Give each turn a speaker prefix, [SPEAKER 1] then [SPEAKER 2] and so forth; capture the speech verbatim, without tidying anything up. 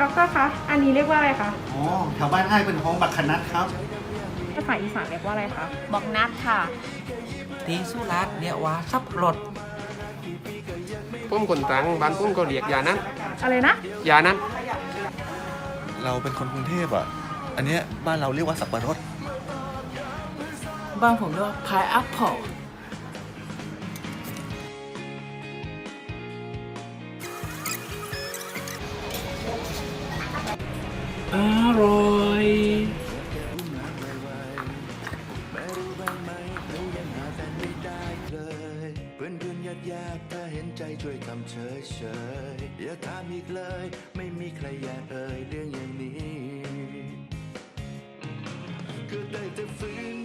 [SPEAKER 1] ด็อกเตอร์คะอันนี้เรียกว่าอะไรคะ
[SPEAKER 2] อ๋อแถวบ้านอ้ายเป็นห้องบักขนัดครับ
[SPEAKER 1] ภาษาอีสานเรียกว่าอะไรคะ
[SPEAKER 3] บอกนัดค่ะ
[SPEAKER 4] ตีสุราษฎร์เรียกว่าสับรถ
[SPEAKER 5] ปุ้มคนตรังบ้านปุ้มก็เรียกยานั้น
[SPEAKER 1] อะไรนะ
[SPEAKER 5] ยานั้น
[SPEAKER 6] เราเป็นคนกรุงเทพอ่ะ อันเนี้ยบ้านเราเรียกว่าสับปะรด
[SPEAKER 7] บ้านผมเรียกว่าพายแอปเปิลอร่อย
[SPEAKER 8] เพื่อนเพื่อนญาติญาติถ้าเห็นใจช่วยทำเฉยเฉยอย่าถามอีกเลย ไม่มีใครอยากเอ่ยเรื่องอย่างนี้ก็ได้แต่ฝืน